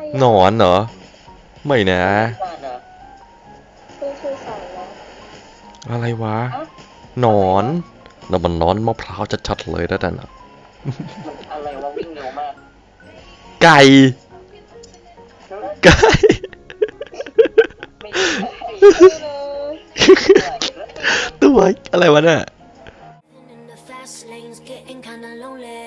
หนอนเหรอไม่นะบ้านเหรอคือสื่อสารนะอะไรวะฮะหนอนอะไรวะนั่นมันหนอนมะพร้าวชัดๆเลยนะนั่นน่ะมันอะไรวะวิ่งเร็วมากไก่ไก่ไม่ใช่เลยตัวอะไรวะเนี่ย In the fast lanes, getting kinda lonely.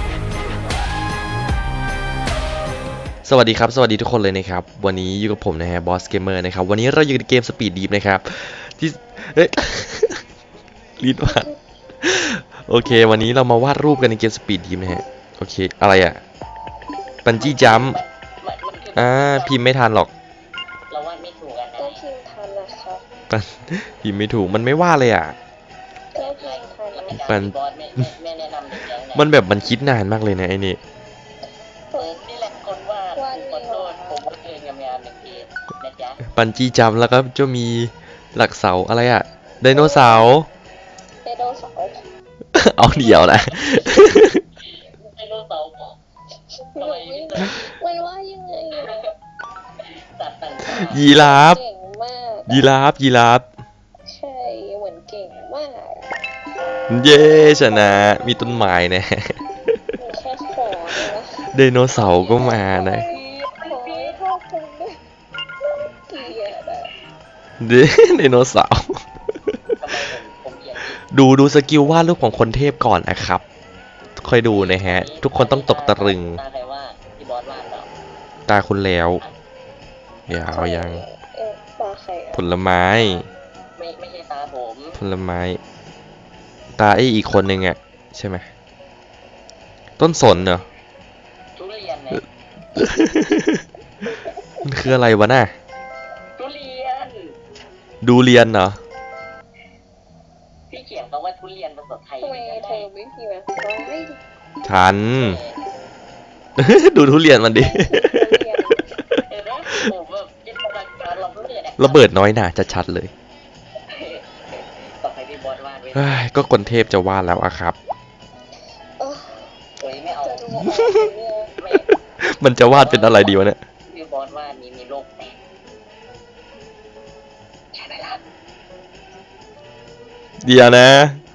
สวัสดีครับสวัสดีทุกคนเลยนะครับวันนี้อยู่กับผมนะฮะบอสเกมเมอร์นะครับวันนี้เราอยู่ในเกมสปีดดีฟนะครับที่เอ๊ะ ลิ้นว่าโอเควันนี้เรามาวาดรูปกันในเกมสปีดดีฟนะฮะโอเคอะไรอ่ะปันจี้จัมป์พิมพ์ไม่ทันหรอกเราวาดไม่ถูกกันนะก็พิมพ์ทันนะครับปันพิมพ์ไม่ถูกมันไม่ว่าเลยอ่ะก็พิมพ์ทันนะปันบอสไม่แนะนำเด็กแก๊งไหนมันแบบมันคิดนานมากเลยนะไอ้นี่นี่แหละคนวาดขอโทษผมว่าเองงามๆหนึ่งทีนะจ๊ะปันจี้จัมป์แล้วก็จะมีหลักเสาอะไรอ่ะไดโนเสาร์ไดโนเสาร์เอาเดี่ยวนะไดโนเสาร์ทำไมไม่เจอมันว่ายังไงอะสัตว์ต่างยีราฟเก่งมากยีราฟใช่เหมือนเก่งมากเย้ชนะมีต้นไม้นะมันแค่ขอเลยนะไดโนเสาร์ก็มานะขอให้พ่อคุณด้วยเกลียดอะไดโนเสาร์ๆทำไมผมเขียนผิดดูสกิลวาดรูปของคนเทพก่อนนะครับค่อยดูนะฮะ ทุกคนต้องตกตะลึงตาใครว่าที่บอสวาดเหรอตาคุณแล้วอย่าเอายังตาใครผลไม้ไม่ใช่ตาผมผลไม้ ตาไอ้อีกคนนึงอ่ะใช่ไหมต้นสนเหรอทุเรียนเนี่ยมันคืออะไรวะน่ะทุเรียนดูเรียนเหรอพี่เขียนคำว่าทุเรียนภาษาไทยทำไมไม่เธได้อไม่พิมพ์อะร้อยทัน ดูทุเรียนมันดิเห็นไหมผมแบบจินตนาการเราเรื่อยๆระเบิดน้อยหนาจะชัดเลยต่อไปพี่บอสวาดไว้เฮ้ยก็คนเทพจะวาดแล้วอะครับเออโอ้ยไม่เอาจะดูออกเนี่ยไม่มันจะวาดเป็นอะไรดีวะเนี่ยพี่บอสวาดมีโรคแตกใช่ไหมล่ะเดี๋ยวนะ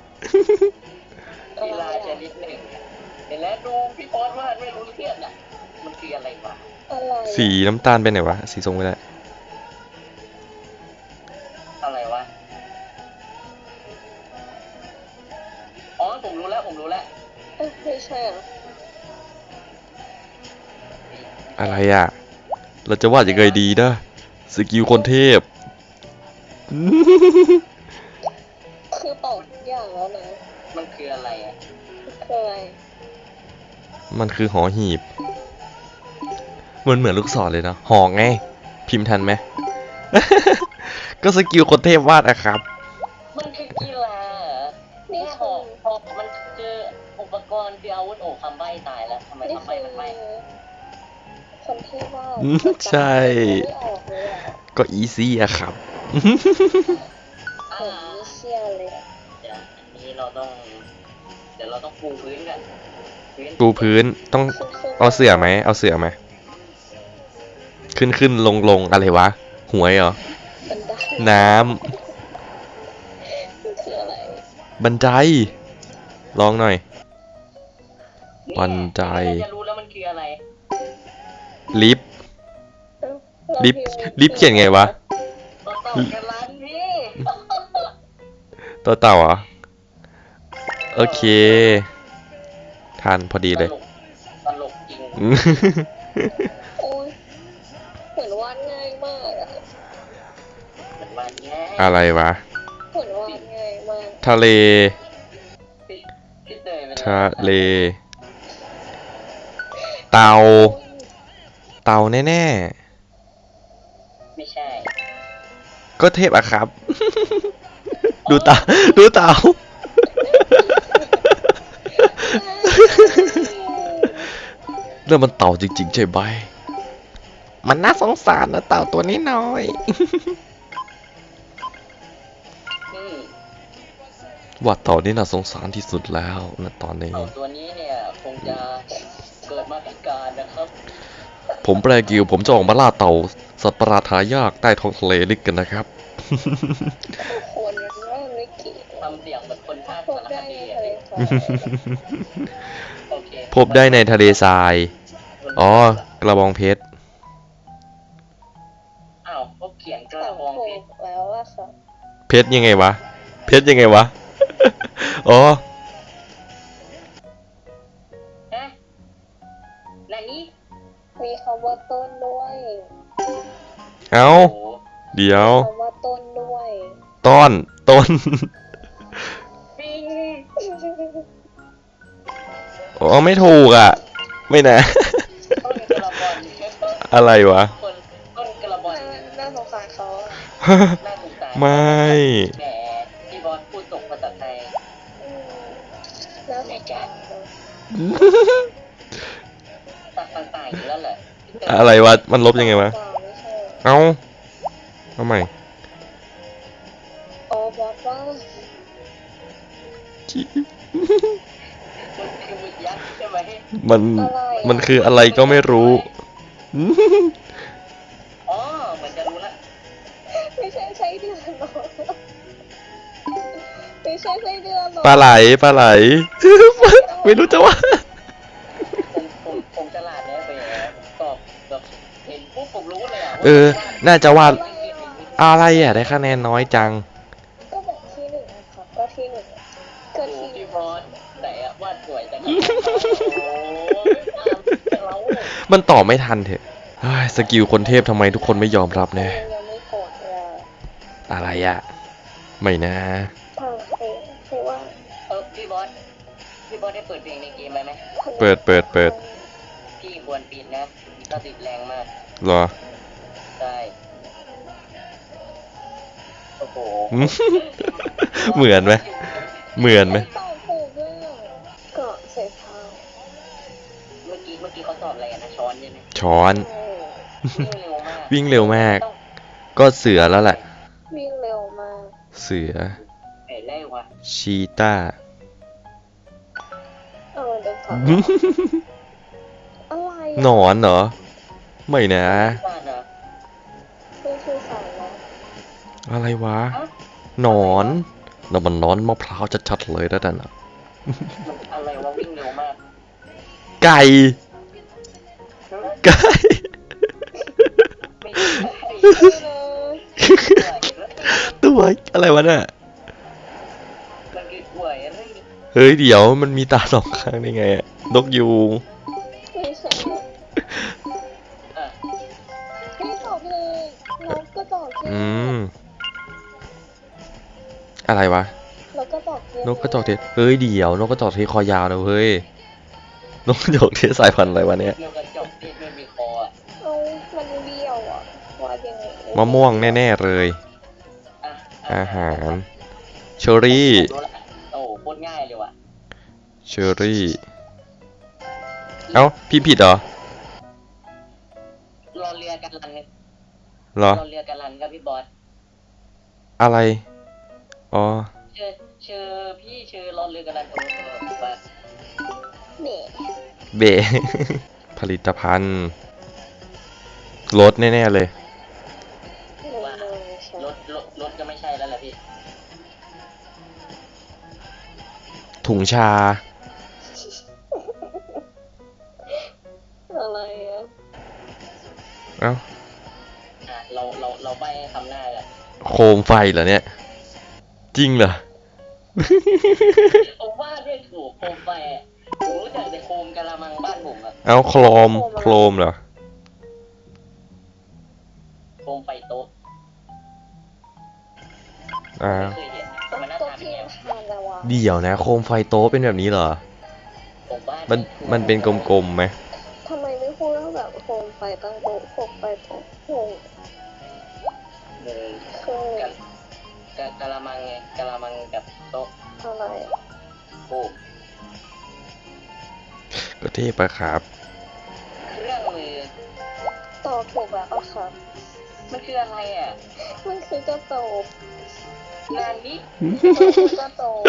กีฬาชนิดหนึ่งเห็นแล้วดูพี่บอสวาดไม่รู้เรื่องอ่ะมันคืออะไรวะอะไรสีน้ำตาลเป็นไหนวะ สีส้มไม่ได้อะไรวะอ๋อผมรู้แล้วไม่ใช่อ่ะอะไรอ่ะ เราจะวาดยังไงดีนะสกิลคนเทพคือตอบทุกอย่างแล้วนะมันคืออะไรอ่ะคืออะไรมันคือหอหีบ มันเหมือนลูกศรเลยเนาะหอไง พิมพ์ทันไหม ก็สกิลคนเทพวาดอะครับมันคือกีฬาเหรอนี่หอกมันคืออุปกรณ์คืออาวุธโอ้คำใบ้ตายแล้วทำไมนี่คำใบ้คือมันไม่คนที่ว่าใช่ไม่ออกเลยอ่ะก็อีซี่อะครับผมไม่เชื่อเลยอะเดี๋ยวอันนี้เราต้อง เดี๋ยวเราต้องปูพื้นกันปูพื้นต้องเอาเสื่อไหม เอาเสื่อไหม ขึ้นลงอะไรวะ หวยเหรอบันไดน้มันคืออะไรำ บันได ลองหน่อยเนี่ยบันไดจะรู้แล้วมันคืออะไรลิฟต์ ลิฟต์ลิฟต์เขียนไงวะต่อกันร้านพี่ตัวเต่าเหรอ โอเค ทันพอดีเลยตลกจริงโอ้ยเหมือนวาดง่ายมากอะเหมือนวันแง่อะไรวะเหมือนวาดง่ายมากทะเลพี่เตยเป็นทะเล เต่า เต่าแน่ไม่ใช่ๆ ก็เทพอะครับ ดูเต่า ดูเต่า เรื่องมันเต่าจริงๆใช่ไหมมันน่าสงสารนะเต่าตัวนี้น้อยอืมว่าเต่านี่น่าสงสารที่สุดแล้วนะตอนนี้เต่าตัวนี้เนี่ยคงจะเกิดมาพิการนะครับผมแปลกิวผมจะออกมาล่าเต่าสัตว์ประหลาดหายากใต้ท้องทะเลลึกกันนะครับคนว่าไม่เกี่ยวทำเสียงเหมือนคนภาคพบสารได้คในดีทะเลทรายโอเคพบได้ในทะเลทราย อ๋อ กระบองเพชรอ้าวเขาเขียนกตระอบบองถูเพชกรแล้วอะค่ะเพชรยังไงวะ เพชรยังไงวะ อ๋อฮะไหนนี่มีคำว่าต้นด้วยเอ้าโอ้โหเดี๋ยวคำว่าต้นด้วยต้นปิงอ๋อ ไม่ถูกอ่ะ ไม่นะต้นกระบอนอะไรวะคนต้นกระบอนน่าสงสารเขาอะน่าสงสารไม่แหมพี่บอสพูดตกภาษาไทยอืมน่าสงสารเขาตัดต่างๆอยู่แล้วแหละอะไรวะ มันลบยังไงวะไม่ใช่เอ้าเอาใหม่อ๋อบอกว่ามันคือหมึกยักษ์ใช่ไหมมันอะไรอะมันคืออะไรก็ไม่รู้อ๋อเหมือนจะรู้ละไม่ใช่ไส้เดือนหรอกไม่ใช่ไส้เดือนหรอกปลาไหล ไม่รู้จะว่าผมฉลาดแน่ไปตอบแบบเห็นปุ๊บผมรู้เลยอ่ะเออ น่าจะวาดอะไรอะอะไรอ่ะ ได้คะแนนน้อยจังก็แบบที่หนึ่งนะครับก็ที่หนึ่งก็โอ้ที่หนึ่พี่งบอสแต่วาดสวยจังโอ้เรามันตอบไม่ทันเถอะเฮ้ยสกิลคนเทพทำไมทุกคนไม่ยอมรับเนี่ยยังไม่โกรธเลยอะอะไรอ่ะ ไม่นะใครว่าพี่บอสได้เปิดเพลงในเกมไหมเปิดพี่ควรปิดนะก็ติดแรงมากเหรอใช่โอ้โหเหมือนไหม เหมือนไหมตอบถูกด้วยอะเกาะเสพาเมื่อกี้เขาตอบอะไรนะช้อนใช่ไหมช้อนวิ่งเร็วมากวิ่งเร็วมาก ก็เสือแล้วแหละวิ่งเร็วมากเสือเห็นได้วะชีต้าเอามันเป็นผักอะไรอะหนอนเหรอ ไม่นะบ้านเหรอนี่คือสารแล้วอะไรวะฮะหนอนนั่นมันหนอนมะพร้าวชัดๆเลยนะนั่นน่ะมันอะไรวะวิ่งเร็วมากไก่ ไก่ไม่ใช่เลยตัวอะไรวะเนี่ยมันคือกล้วยอะไรเฮ้ยเดี๋ยวมันมีตาสองข้างได้ไงอะนกยูงไม่ใช่อ่ะไม่ตอบเลยนกก็ตอบที่อะไรวะนกก็ตอบที่นกกระจอกเทศเฮ้ยเดี๋ยวนกกระจอกเทศคอยาวนะเฮ้ย นกกระจอกเทศสายพันธุ์อะไรวะเนี่ยเกี่ยวกับจบที่ไม่มีคออ่ะเอามันเบี้ยวอ่ะว่ายังไงมะม่วงแน่ๆเลยอ่ะอาหาร เชอรี่รู้ละโอ้โคตรง่ายเลยว่ะเชอรี่ เอ้าพี่ผิดเหรอรอเรือกันลันเหรอรอเรือกันลันครับพี่บอสอะไร อ๋อชื่อพี่ชื่อรอเรือกันลันโอ้โหว่าเน่เบ ผลิตภัณฑ์รถแน่ๆเลยเลยใช่รถก็ไม่ใช่แล้วแหละพี่ถุงชาอะไรอ่ะเอ้าอ่ะเราไปคำหน้ากันโคมไฟเหรอเนี่ย จริงเหรอผมว่าด้วยถูกโคมไฟอะผมรู้จักแต่โคมกะละมังบ้านผมอะเอ้าโครมเหรอโคมไฟโต๊ะอ่าไม่เคยเห็นมันน่าตัวทานเป็นพี่ไงทานแล้วอ่ะเดี๋ยวนะ โคมไฟโต๊ะเป็นแบบนี้เหรอผมว่ามันเป็นกลมๆไหมทำไมไม่พูดว่าแบบโคมไฟตั้งโต๊ะโคมไฟโต๊ะโคมเออเคยกะละมังไงกะละมังกับโต๊ะอะไรอะโอ้ก็เทพอะครับเครื่องมือตอบถูกแล้วอะค่ะมันคืออะไรอ่ะมันคือกระโตกงานนี้กระโตก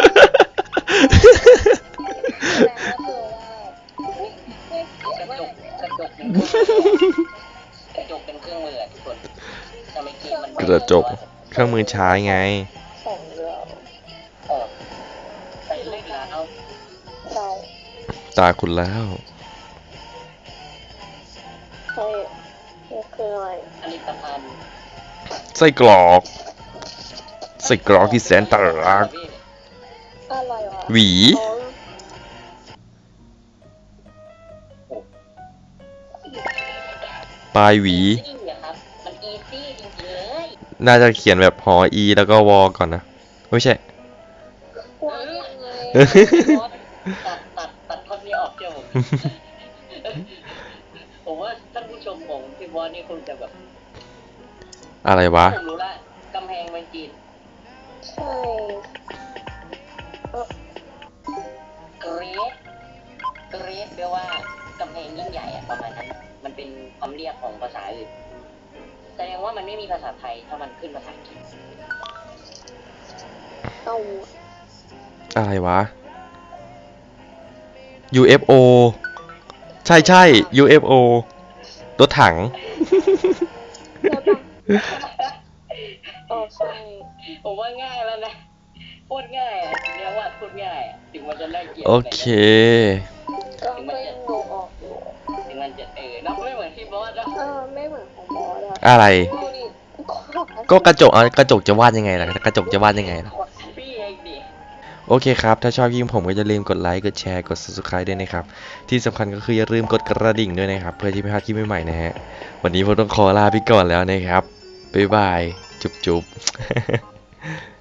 แล้วก็คือว่าไม่เกี่ยวกระว่าจกกระจกในเป็นเครื่องมือกระจกเป็นเครื่องมืออะทุกคนแต่เมื่อกี้มันกระจกเครื่องมือใช้ไงของเราเออใส่เล็กแล้วใช่ตาคุณแล้วใช่นี่คืออะไรผลิตภัณฑ์ไส้กรอก ไส้กรอกที่แสนตรักอะไรวะหวีอ๋อปลายหวีซี่อะครับมันอีซี่จริงๆเลยน่าจะเขียนแบบหออีแล้วก็วอก่อนนะ ไม่ใช่ว่ายังไงตัดท่อนนี้ออกเจ้าผมผมว่าท่านผู้ชมของพี่บอสนี่คงจะแบบอะไรวะผมรู้ละกำแพงเมืองจีนใช่เกรดแปลว่ากำแพงยิ่งใหญ่อะประมาณนั้น มันเป็นคำเรียกของภาษาอื่นแสดงว่ามันไม่มีภาษาไทยถ้ามันขึ้นภาษาอังกฤษเอาอะไรวะ UFO ใช่ใช่ UFO รถถังแล้วปะอ๋อใช่ผมว่าง่ายแล้วนะพูดง่ายอะเรียกว่าพูดง่ายอะถึงมันจะน่าเกลียดโอเคเราก็ยังดูออกอยู่ถึงมันจะเนาะไม่เหมือนพี่บอสเนาะไม่เหมือนของบอสอะอะไรดูดิก็กระจกกระจกจะวาดยังไงล่ะ กระจกจะวาดยังไงล่ะพี่เองดิโอเคครับ ถ้าชอบยิ่งผมก็อย่าลืมกดไลค์ กดแชร์ กด subscribe ด้วยนะครับ ที่สำคัญก็คืออย่าลืมกดกระดิ่งด้วยนะครับ เพื่อที่ไม่พลาดคลิปใหม่ๆนะฮะ วันนี้ผมต้องขอลาไปก่อนแล้วนะครับ บ๊ายบาย จุ๊บๆ